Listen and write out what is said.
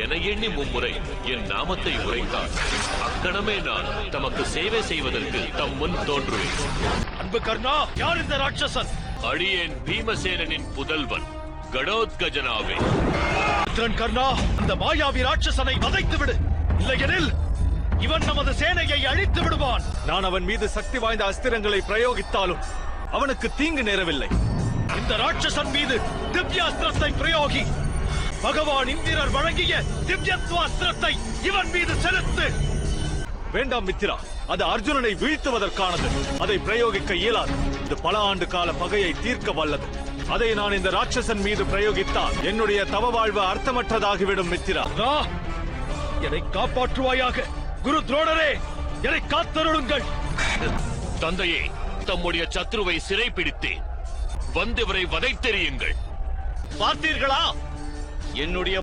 என எண்ணி மும்முறை என் நாமத்தை உரைத்தார். அக்கணமே நான் தமக்கு சேவை செய்வதற்கு தம் முன் தோன்றுவேன். அன்பு கர்ணா, யார் இந்த ராட்சசன்? அடியேன் பீமசேனனின் புதல்வன் கடோத்கஜனாவே. கர்ணா, அந்த மாயாவி ராட்சசனை வதைத்து விடு. இல்லையெனில் இவன் நமது சேனையை அழித்து விடுவான். நான் அவன் மீது சக்தி வாய்ந்த அஸ்திரங்களை பிரயோகித்தாலும் அவனுக்கு தீங்கு நேரவில்லை. இந்த ராட்சசன் மீது திவ்யாஸ்திரத்தை பிரயோகி. பகவான் இந்திரர் வழங்கிய திவ்யத்வாஸ்திரத்தை இவன் மீது செலுத்து. வேண்டாம் மித்திரா, அது அர்ஜுனனை வீழ்த்துவதற்கானது. அதை பிரயோகிக்க இயலாது. இது பல ஆண்டு கால பகையை தீர்க்க வல்லது. அதை நான் இந்த ராட்சசன் மீது பிரயோகித்தால் என்னுடைய தவ வாழ்வு அர்த்தமற்றதாகிவிடும். மித்திரா, என்னை காப்பாற்றுவாயாக. குரு துரோணரே, என்னை காத்தருளுங்கள். தந்தையே, தம்முடைய சத்ருவை சிறை பிடித்தேன். வந்தவரை வதைத்தெறியுங்கள். பார்த்தீர்களா? என்னுடைய